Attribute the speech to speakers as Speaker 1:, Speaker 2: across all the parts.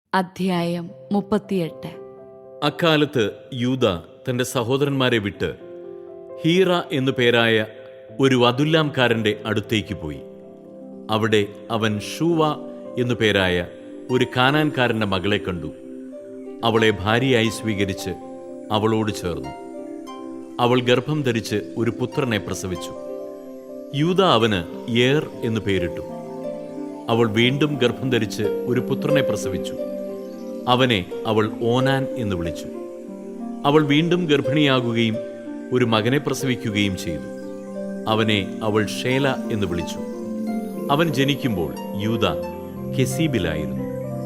Speaker 1: അധ്യായം 38.
Speaker 2: അക്കാലത്ത് യൂദ തന്റെ സഹോദരന്മാരെ വിട്ട് ഹീറ എന്നു പേരായ ഒരു അദുല്ലാംകാരന്റെ അടുത്തേക്ക് പോയി. അവിടെ അവൻ ഷൂവ എന്നു പേരായ ഒരു കാനാൻകാരന്റെ മകളെ കണ്ടു. അവളെ ഭാര്യയായി സ്വീകരിച്ച് അവളോട് ചേർന്നു. അവൾ ഗർഭം ധരിച്ച് ഒരു പുത്രനെ പ്രസവിച്ചു. യൂദ അവന് ഏർ എന്നു പേരിട്ടു. അവൾ വീണ്ടും ഗർഭം ധരിച്ച് ഒരു പുത്രനെ പ്രസവിച്ചു. അവനെ അവൾ ഓനാൻ എന്ന് വിളിച്ചു. അവൾ വീണ്ടും ഗർഭിണിയാകുകയും ഒരു മകനെ പ്രസവിക്കുകയും ചെയ്തു. അവനെ അവൾ ഷേല എന്ന് വിളിച്ചു. അവൻ ജനിക്കുമ്പോൾ യൂദ കെസീബിലായിരുന്നു.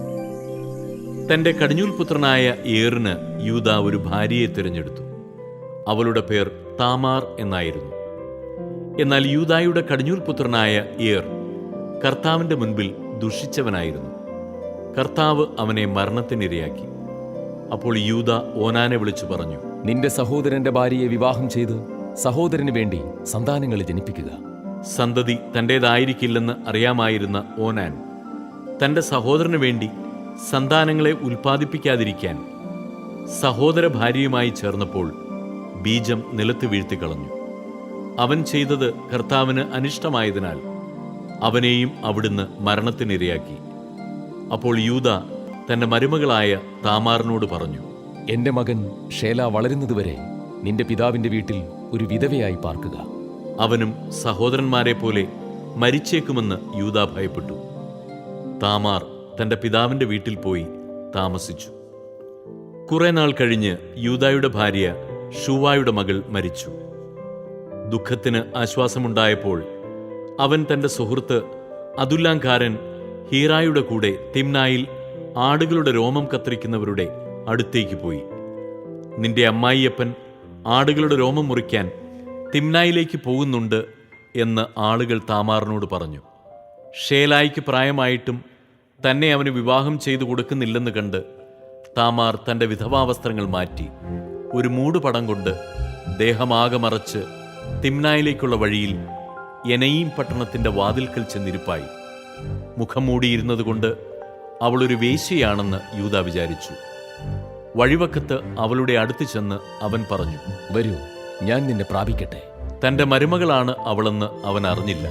Speaker 2: തന്റെ കടിഞ്ഞൂൽ പുത്രനായ ഏറിന് യൂദ ഒരു ഭാര്യയെ തിരഞ്ഞെടുത്തു. അവളുടെ പേർ താമാർ എന്നായിരുന്നു. എന്നാൽ യൂദായുടെ കടിഞ്ഞൂൽ പുത്രനായ ഏർ കർത്താവിന്റെ മുൻപിൽ ദുഷിച്ചവനായിരുന്നു. കർത്താവ് അവനെ മരണത്തിനിരയാക്കി. അപ്പോൾ യൂദ ഓനാനെ വിളിച്ചു പറഞ്ഞു,
Speaker 3: നിന്റെ സഹോദരന്റെ ഭാര്യയെ വിവാഹം ചെയ്ത് സഹോദരന് വേണ്ടി സന്താനങ്ങളെ ജനിപ്പിക്കുക.
Speaker 2: സന്തതി തന്റേതായിരിക്കില്ലെന്ന് അറിയാമായിരുന്ന ഓനാൻ തന്റെ സഹോദരന് വേണ്ടി സന്താനങ്ങളെ ഉൽപ്പാദിപ്പിക്കാതിരിക്കാൻ സഹോദര ഭാര്യയുമായി ചേർന്നപ്പോൾ ബീജം നിലത്ത് വീഴ്ത്തിക്കളഞ്ഞു. അവൻ ചെയ്തത് കർത്താവിന് അനിഷ്ടമായതിനാൽ അവനെയും അവിടുന്ന് മരണത്തിനിരയാക്കി. അപ്പോൾ യൂദ തന്റെ മരുമകളായ താമാറിനോട് പറഞ്ഞു,
Speaker 3: എന്റെ മകൻ ഷേല വളരുന്നതുവരെ നിന്റെ പിതാവിന്റെ വീട്ടിൽ ഒരു വിധവയായി പാർക്കുക.
Speaker 2: അവനും സഹോദരന്മാരെ പോലെ മരിച്ചേക്കുമെന്ന് യൂദ ഭയപ്പെട്ടു. താമാർ തന്റെ പിതാവിന്റെ വീട്ടിൽ പോയി താമസിച്ചു. കുറെ നാൾ കഴിഞ്ഞ് യൂദായുടെ ഭാര്യ ഷൂവായുടെ മകൾ മരിച്ചു. ദുഃഖത്തിന് ആശ്വാസമുണ്ടായപ്പോൾ അവൻ തന്റെ സുഹൃത്ത് അദുല്ലാംകാരൻ ഹീറായുടെ കൂടെ തിമ്നായിൽ ആടുകളുടെ രോമം കത്തിരിക്കുന്നവരുടെ അടുത്തേക്ക് പോയി. നിന്റെ അമ്മായിയപ്പൻ ആടുകളുടെ രോമം മുറിക്കാൻ തിമ്നായിലേക്ക് പോകുന്നുണ്ട് എന്ന് ആളുകൾ താമാറിനോട് പറഞ്ഞു. ഷേലായിക്ക് പ്രായമായിട്ടും തന്നെ അവന് വിവാഹം ചെയ്തു കൊടുക്കുന്നില്ലെന്ന് കണ്ട് താമാർ തന്റെ വിധവാവസ്ത്രങ്ങൾ മാറ്റി ഒരു മൂടുപടം കൊണ്ട് ദേഹമാകെ മറച്ച് തിമ്നായിലേക്കുള്ള വഴിയിൽ എനയീം പട്ടണത്തിന്റെ വാതിൽക്കൽ ചെന്നിരിപ്പായി. മുഖം മൂടിയിരുന്നതുകൊണ്ട് അവളൊരു വേശ്യയാണെന്ന് യൂദ വിചാരിച്ചു. വഴിവക്കത്ത് അവളുടെ അടുത്ത് ചെന്ന് അവൻ പറഞ്ഞു,
Speaker 3: വരൂ, ഞാൻ നിന്നെ പ്രാപിക്കട്ടെ.
Speaker 2: തന്റെ മരുമകളാണ് അവളെന്ന് അവൻ അറിഞ്ഞില്ല.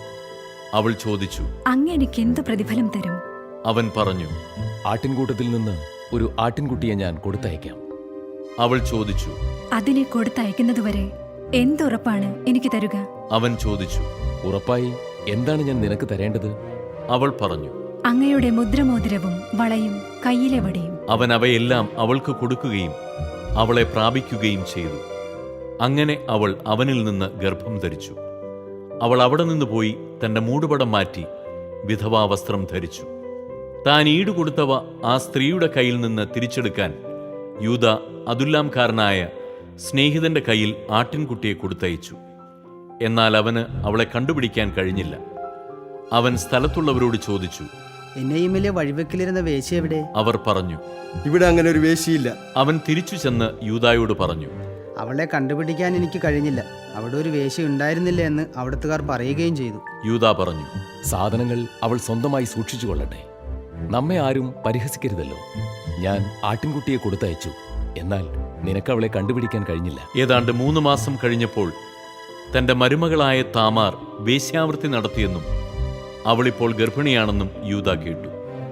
Speaker 2: അവൾ ചോദിച്ചു,
Speaker 4: അങ്ങ് എനിക്ക് എന്ത് പ്രതിഫലം തരും?
Speaker 2: അവൻ പറഞ്ഞു,
Speaker 3: ആട്ടിൻകൂട്ടത്തിൽ നിന്ന് ഒരു ആട്ടിൻകുട്ടിയെ ഞാൻ കൊടുത്തയക്കാം.
Speaker 2: അവൾ ചോദിച്ചു,
Speaker 4: അതിനെ കൊടുത്തയക്കുന്നതുവരെ എന്തുറപ്പാണ് എനിക്ക് തരുക?
Speaker 2: അവൻ ചോദിച്ചു,
Speaker 3: ഉറപ്പായി എന്താണ് ഞാൻ നിനക്ക് തരേണ്ടത്?
Speaker 2: അവൾ പറഞ്ഞു,
Speaker 4: അങ്ങയുടെ മുദ്രമോതിരവും വളയും കയ്യിലെ വടിയും.
Speaker 2: അവൻ അവയെല്ലാം അവൾക്ക് കൊടുക്കുകയും അവളെ പ്രാപിക്കുകയും ചെയ്തു. അങ്ങനെ അവൾ അവനിൽ നിന്ന് ഗർഭം ധരിച്ചു. അവൾ അവിടെ നിന്ന് പോയി തന്റെ മൂടുപടം മാറ്റി വിധവാവസ്ത്രം ധരിച്ചു. താൻ ഈടുകൊടുത്തവ ആ സ്ത്രീയുടെ കയ്യിൽ നിന്ന് തിരിച്ചെടുക്കാൻ യൂദ അദുല്ലാംകാരനായ സ്നേഹിതന്റെ കയ്യിൽ ആട്ടിൻകുട്ടിയെ കൊടുത്തയച്ചു. എന്നാൽ അവന് അവളെ കണ്ടുപിടിക്കാൻ കഴിഞ്ഞില്ല. അവൻ സ്ഥലത്തുള്ളവരോട് ചോദിച്ചു,
Speaker 5: എന്നെയുമിലെ വഴിവെക്കിലിരുന്ന വേശ്യ എവിടെ?
Speaker 2: അവർ പറഞ്ഞു,
Speaker 6: ഇവിടെ അങ്ങനെ ഒരു വേശിയില്ല.
Speaker 2: അവൻ തിരിച്ചു ചെന്ന് യൂദായോട് പറഞ്ഞു,
Speaker 5: അവളെ കണ്ടുപിടിക്കാൻ എനിക്ക് കഴിഞ്ഞില്ല. അവിടെ ഒരു വേശ്യ ഉണ്ടായിരുന്നില്ല എന്ന് അവിടുത്തുകാർ പറയുകയും ചെയ്തു.
Speaker 2: യൂദാ പറഞ്ഞു,
Speaker 3: സാധനങ്ങൾ അവൾ സ്വന്തമായി സൂക്ഷിച്ചു കൊള്ളട്ടെ. നമ്മെ ആരും പരിഹസിക്കരുതല്ലോ. ഞാൻ ആട്ടിൻകുട്ടിയെ കൊടുത്തയച്ചു, എന്നാൽ നിനക്ക് അവളെ കണ്ടുപിടിക്കാൻ കഴിഞ്ഞില്ല.
Speaker 2: ഏതാണ്ട് 3 മാസം കഴിഞ്ഞപ്പോൾ തന്റെ മരുമകളായ താമാർ വേശ്യാവൃത്തി നടത്തിയെന്നും അവളിപ്പോൾ ഗർഭിണിയാണെന്നും യൂദ കേട്ടു.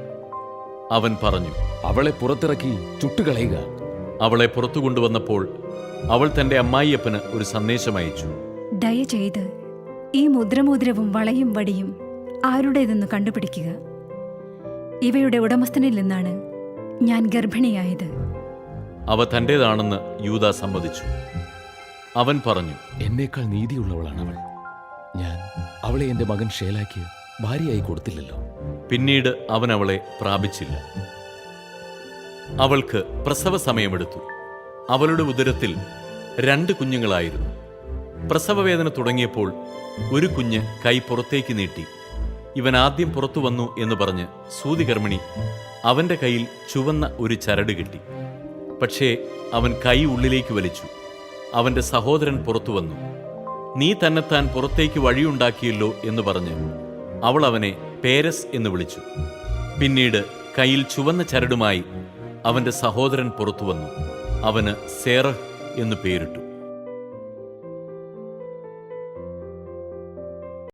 Speaker 2: അവൻ പറഞ്ഞു,
Speaker 3: അവളെ പുറത്തിറക്കി ചുട്ടുകളയുക.
Speaker 2: അവളെ പുറത്തു കൊണ്ടുവന്നപ്പോൾ അവൾ തന്റെ അമ്മായിയപ്പന് ഒരു സന്ദേശം അയച്ചു.
Speaker 4: ദയചെയ്ത് ഈ മുദ്രമോതിരവും വളയും വടിയും ആരുടേതെന്ന് കണ്ടുപിടിക്കുക. ഇവയുടെ ഉടമസ്ഥനിൽ നിന്നാണ് ഞാൻ ഗർഭിണിയായത്.
Speaker 2: അവ തന്റേതാണെന്ന് യൂദ സമ്മതിച്ചു. അവൻ പറഞ്ഞു,
Speaker 3: എന്നേക്കാൾ നീതിയുള്ളവളാണ് അവൾ. ഞാൻ അവളെ എന്റെ മകൻ ഷേലാക്ക് ഭാര്യയായി കൊടുത്തില്ലല്ലോ.
Speaker 2: പിന്നീട് അവൻ അവളെ പ്രാപിച്ചില്ല. അവൾക്ക് പ്രസവ സമയമെടുത്തു. അവളുടെ ഉദരത്തിൽ 2 കുഞ്ഞുങ്ങളായിരുന്നു. പ്രസവവേദന തുടങ്ങിയപ്പോൾ ഒരു കുഞ്ഞ് കൈ പുറത്തേക്ക് നീട്ടി. ഇവൻ ആദ്യം പുറത്തു വന്നു എന്ന് പറഞ്ഞ് സൂതികർമ്മിണി അവന്റെ കയ്യിൽ ചുവന്ന ഒരു ചരട് കെട്ടി. പക്ഷേ അവൻ കൈ ഉള്ളിലേക്ക് വലിച്ചു. അവന്റെ സഹോദരൻ പുറത്തു വന്നു. നീ തന്നെത്താൻ പുറത്തേക്ക് വഴിയുണ്ടാക്കിയല്ലോ എന്ന് പറഞ്ഞ് അവൾ അവനെ പേരസ് എന്ന് വിളിച്ചു. പിന്നീട് കയ്യിൽ ചുവന്ന ചരടുമായി അവന്റെ സഹോദരൻ പുറത്തു വന്നു. അവന് സേറഹ് എന്നു പേരിട്ടു.